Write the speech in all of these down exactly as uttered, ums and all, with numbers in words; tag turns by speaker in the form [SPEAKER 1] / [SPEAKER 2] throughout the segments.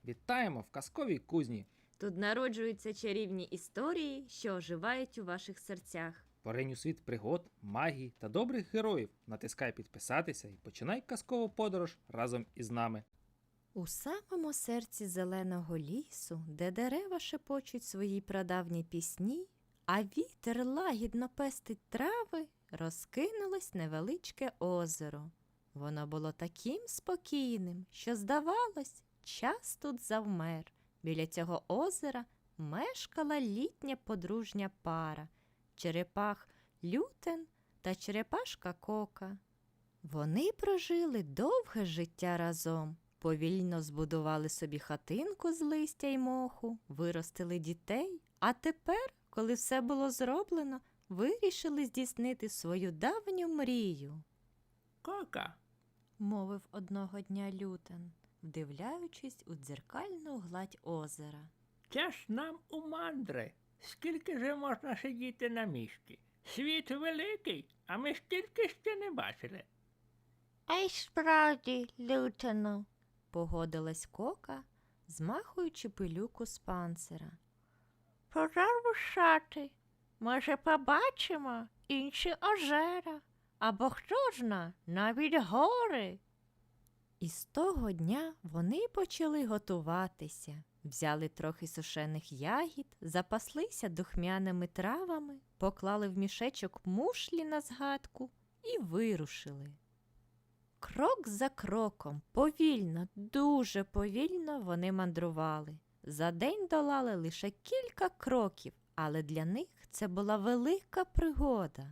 [SPEAKER 1] Вітаємо в казковій кузні.
[SPEAKER 2] Тут народжуються чарівні історії, що оживають у ваших серцях.
[SPEAKER 1] Поринь у світ пригод, магії та добрих героїв. Натискай підписатися і починай казкову подорож разом із нами.
[SPEAKER 2] У самому серці зеленого лісу, де дерева шепочуть свої прадавні пісні, а вітер лагідно пестить трави, розкинулось невеличке озеро. Воно було таким спокійним, що, здавалось, час тут завмер. Біля цього озера мешкала літня подружня пара – черепах Лютен та черепашка Кока. Вони прожили довге життя разом, повільно збудували собі хатинку з листя й моху, виростили дітей, а тепер, коли все було зроблено, вирішили здійснити свою давню мрію.
[SPEAKER 3] Кока,
[SPEAKER 2] – мовив одного дня Лютен, вдивляючись у дзеркальну гладь озера.
[SPEAKER 3] це ж нам у мандри. Скільки же можна сидіти на місці? Світ великий, а ми стільки ще не бачили.
[SPEAKER 2] А й справді, Лютену, погодилась Кока, змахуючи пилюку з панцира. Пора рушати. Може, побачимо інші озера, або хто зна, навіть гори. І з того дня вони почали готуватися. Взяли трохи сушених ягід, запаслися духмяними травами, поклали в мішечок мушлі на згадку і вирушили. Крок за кроком, повільно, дуже повільно вони мандрували. За день долали лише кілька кроків, але для них це була велика пригода.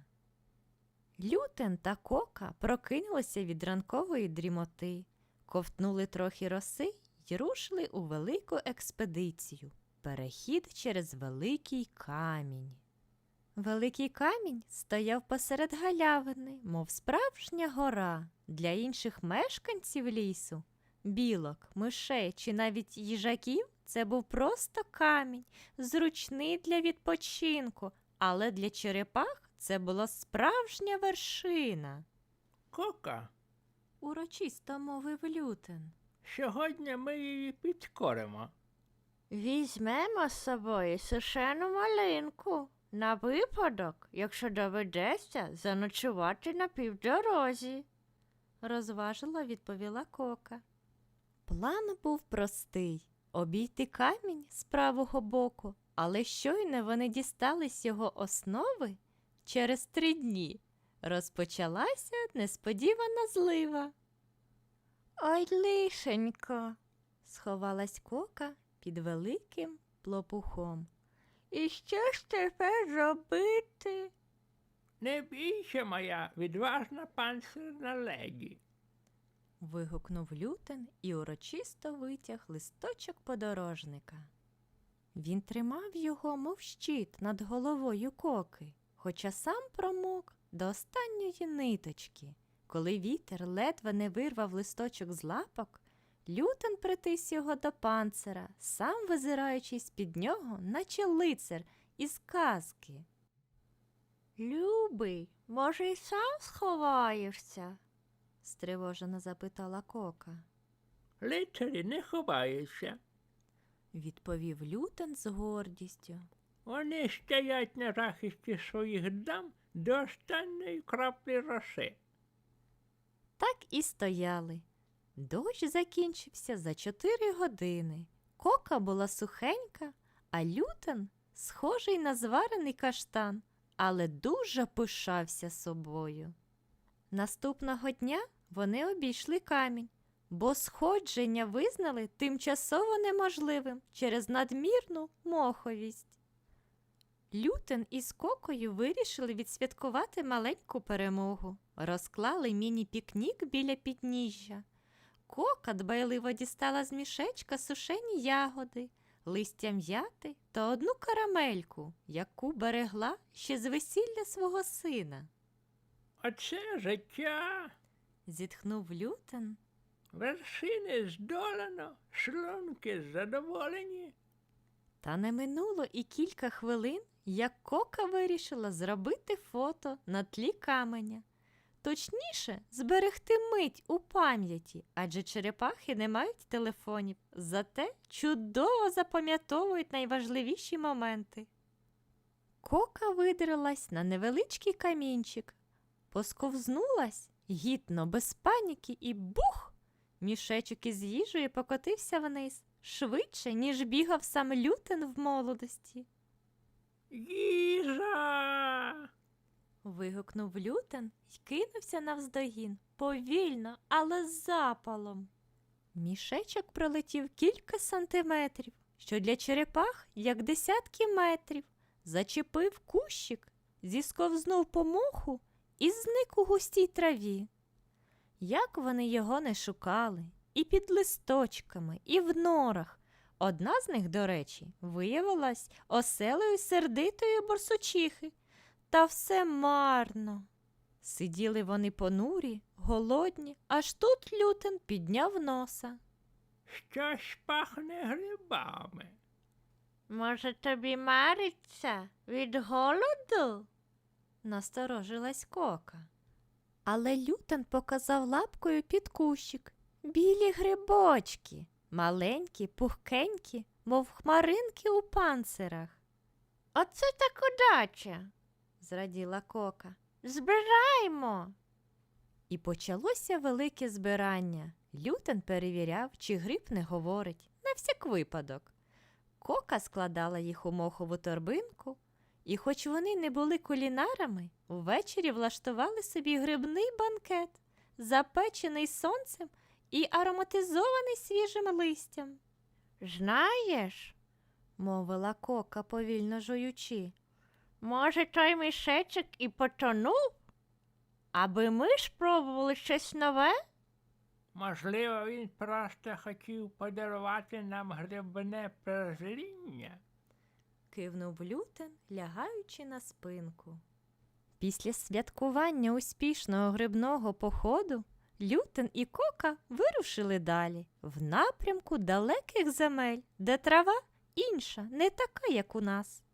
[SPEAKER 2] Лютен та Кока прокинулися від ранкової дрімоти, ковтнули трохи роси й рушили у велику експедицію – перехід через Великий камінь. Великий камінь стояв посеред галявини, мов справжня гора. Для інших мешканців лісу – білок, мишей чи навіть їжаків – це був просто камінь, зручний для відпочинку, але для черепах це була справжня вершина.
[SPEAKER 3] Кока,
[SPEAKER 2] Урочисто мовив Лютен.
[SPEAKER 3] сьогодні ми її підкоримо.
[SPEAKER 2] Візьмемо з собою сушену малинку на випадок, якщо доведеться заночувати на півдорозі, розважила відповіла Кока. План був простий – обійти камінь з правого боку, але щойно вони дістались його основи, через три дні розпочалася несподівана злива. «Ой, лишенько!» – сховалась Кока під великим плопухом. «І що ж тепер робити?»
[SPEAKER 3] Не бійся, моя відважна панцирна леді.
[SPEAKER 2] – вигукнув Лютен і урочисто витяг листочок подорожника. Він тримав його, мов щит, над головою Коки, хоча сам промок до останньої ниточки. Коли вітер ледве не вирвав листочок з лапок, Лютен притис його до панцира, сам визираючись під нього, наче лицар із казки. «Любий, може, й сам сховаєшся?» – стривожено запитала Кока.
[SPEAKER 3] Лицарі не ховаються.
[SPEAKER 2] Відповів Лютен з гордістю.
[SPEAKER 3] Вони стоять на захисті своїх дам до останньої краплі роси.
[SPEAKER 2] Так і стояли. Дощ закінчився за чотири години. Кока була сухенька, а Лютен схожий на зварений каштан, але дуже пишався собою. Наступного дня вони обійшли камінь, бо сходження визнали тимчасово неможливим через надмірну моховість. Лютен із Кокою вирішили відсвяткувати маленьку перемогу. Розклали міні-пікнік біля підніжжя. Кока дбайливо дістала з мішечка сушені ягоди, листя м'яти та одну карамельку, яку берегла ще з весілля свого сина.
[SPEAKER 3] Оце життя.
[SPEAKER 2] Зітхнув Лютен.
[SPEAKER 3] Вершини здолано, шлунки задоволені.
[SPEAKER 2] Та не минуло і кілька хвилин, як Кока вирішила зробити фото на тлі каменя. точніше, зберегти мить у пам'яті, адже черепахи не мають телефонів, зате чудово запам'ятовують найважливіші моменти. Кока видрилась на невеличкий камінчик, посковзнулась гідно, без паніки, і бух! Мішечок із їжею покотився вниз, швидше, ніж бігав сам Лютен в молодості.
[SPEAKER 3] Їжа!
[SPEAKER 2] Вигукнув Лютен й кинувся навздогін, повільно, але з запалом. Мішечок пролетів кілька сантиметрів, що для черепах, як десятки метрів, зачепив кущик, зісковзнув по моху і зник у густій траві. Як вони його не шукали, і під листочками, і в норах. Одна з них, до речі, виявилась оселею сердитої борсучихи. Та все марно. Сиділи вони понурі, голодні, аж тут Лютен підняв носа.
[SPEAKER 3] Щось пахне грибами.
[SPEAKER 2] Може, тобі мариться від голоду? Насторожилась Кока. Але Лютен показав лапкою під кущик. Білі грибочки, маленькі, пухкенькі, мов хмаринки у панцирах. Оце так удача, зраділа Кока. Збираймо. І почалося велике збирання. Лютен перевіряв, чи гриб не говорить, на всяк випадок. Кока складала їх у мохову торбинку, і хоч вони не були кулінарами, ввечері влаштували собі грибний банкет, запечений сонцем і ароматизований свіжим листям. «Знаєш», – мовила Кока, повільно жуючи, – «може, той мішечок і потонув? Аби ми спробували щось нове?»
[SPEAKER 3] Можливо, він просто хотів подарувати нам грибне прозріння.
[SPEAKER 2] Кивнув Лютен, лягаючи на спинку. Після святкування успішного грибного походу Лютен і Кока вирушили далі, в напрямку далеких земель, де трава інша, не така, як у нас.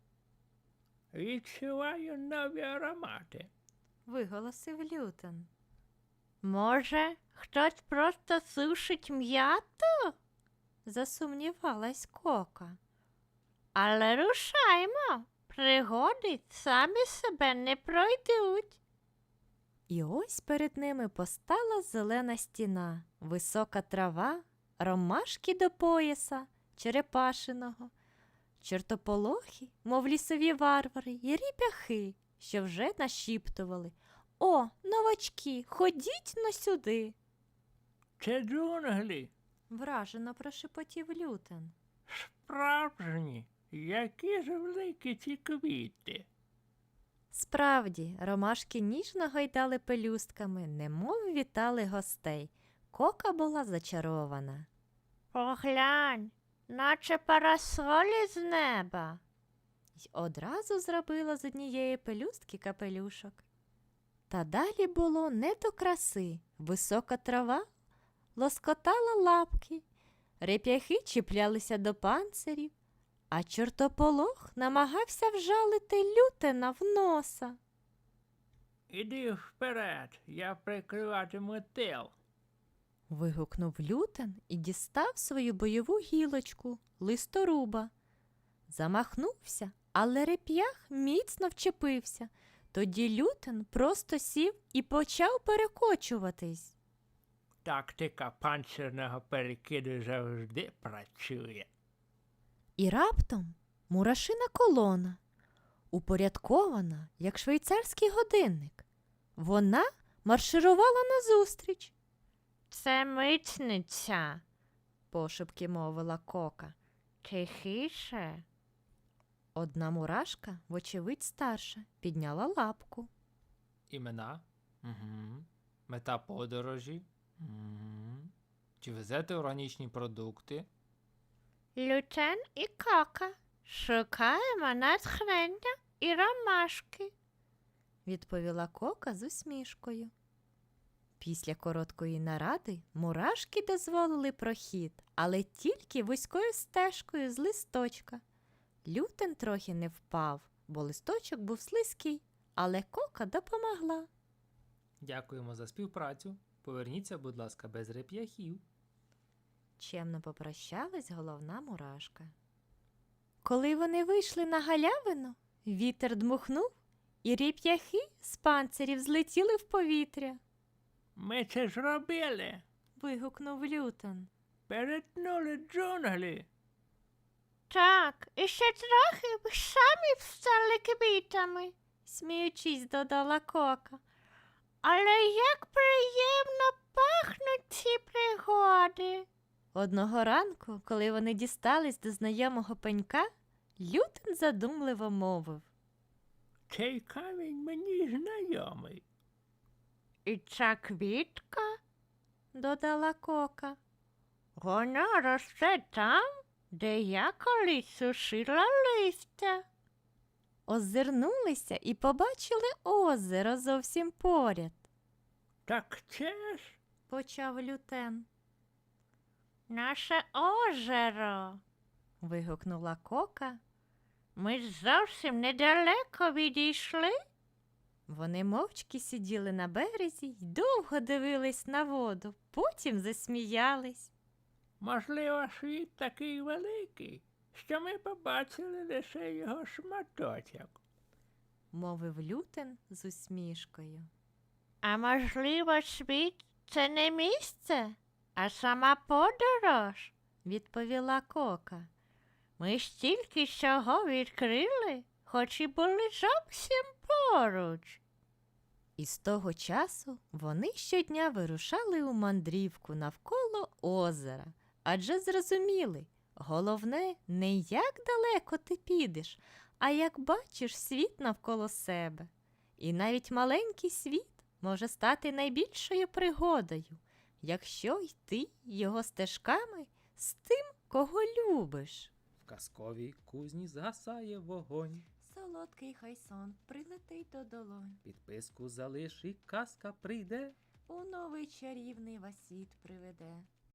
[SPEAKER 3] Відчуваю нові аромати.
[SPEAKER 2] Виголосив Лютен. Може, хтось просто сушить м'яту? Засумнівалась Кока. Але рушаймо, пригоди самі себе не пройдуть. І ось перед ними постала зелена стіна, висока трава, ромашки до пояса, черепашиного, чортополохи, мов лісові варвари, і ріп'яхи, що вже нашіптували. «О, новачки, ходіть но сюди!»
[SPEAKER 3] Це джунглі.
[SPEAKER 2] Вражено прошепотів Лютен.
[SPEAKER 3] Справжні. Які ж великі ці квіти.
[SPEAKER 2] Справді, ромашки ніжно гойдали пелюстками, немов вітали гостей. Кока була зачарована. «Поглянь, наче парасолі з неба!» Й одразу зробила з однієї пелюстки капелюшок. Та далі було не до краси. Висока трава лоскотала лапки, реп'яхи чіплялися до панцирів, а чортополох намагався вжалити Лютена в носа.
[SPEAKER 3] Іди вперед, я прикриватиму тил.
[SPEAKER 2] Вигукнув Лютен і дістав свою бойову гілочку, листоруба. Замахнувся, але реп'ях міцно вчепився. Тоді Лютен просто сів і почав перекочуватись.
[SPEAKER 3] Тактика панцирного перекиду завжди працює.
[SPEAKER 2] І раптом мурашина колона, упорядкована, як швейцарський годинник. Вона марширувала назустріч. «Це митниця», – пошепки мовила Кока. «Тихіше». Одна мурашка, вочевидь старша, підняла лапку.
[SPEAKER 1] Імена? Угу. Мета подорожі? Угу. Чи везете органічні продукти?
[SPEAKER 2] Лютен і Кока. Шукаємо натхнення і ромашки, відповіла Кока з усмішкою. Після короткої наради мурашки дозволили прохід, але тільки вузькою стежкою з листочка. Лютен трохи не впав, бо листочок був слизький, але Кока допомогла.
[SPEAKER 1] Дякуємо за співпрацю. Поверніться, будь ласка, без реп'яхів.
[SPEAKER 2] Чемно попрощалась головна мурашка. Коли вони вийшли на галявину, вітер дмухнув, і ріп'яхи з панцирів злетіли в повітря.
[SPEAKER 3] Ми це зробили.
[SPEAKER 2] Вигукнув Лютон.
[SPEAKER 3] Перетнули джунглі.
[SPEAKER 2] Так, і ще трохи б самі б стали квітами, сміючись, додала Кока. Але як приємно пахнуть ці пригоди. Одного ранку, коли вони дістались до знайомого пенька, Лютон задумливо мовив.
[SPEAKER 3] Цей камінь мені знайомий.
[SPEAKER 2] І ця квітка, додала Кока. Вона росте там, де я колись сушила листя. Озирнулися і побачили озеро зовсім поряд,
[SPEAKER 3] Так це ж
[SPEAKER 2] почав Лютен. Наше озеро. Вигукнула Кока. Ми ж зовсім недалеко відійшли. Вони мовчки сиділи на березі й довго дивились на воду, потім засміялись.
[SPEAKER 3] можливо, світ такий великий, що ми побачили лише його шматочок.
[SPEAKER 2] Мовив Лютен з усмішкою. А можливо, світ це не місце, а сама подорож, відповіла Кока. Ми ж тільки цього відкрили, хоч і були зовсім поруч. І з того часу вони щодня вирушали у мандрівку навколо озера, адже зрозуміли, головне не як далеко ти підеш, а як бачиш світ навколо себе. І навіть маленький світ може стати найбільшою пригодою, якщо йти його стежками з тим, кого любиш.
[SPEAKER 1] В казковій кузні згасає вогонь.
[SPEAKER 2] Солодкий хай сон прилетить до долонь,
[SPEAKER 1] Підписку залиш і казка прийде.
[SPEAKER 2] у новий чарівний вас світ приведе.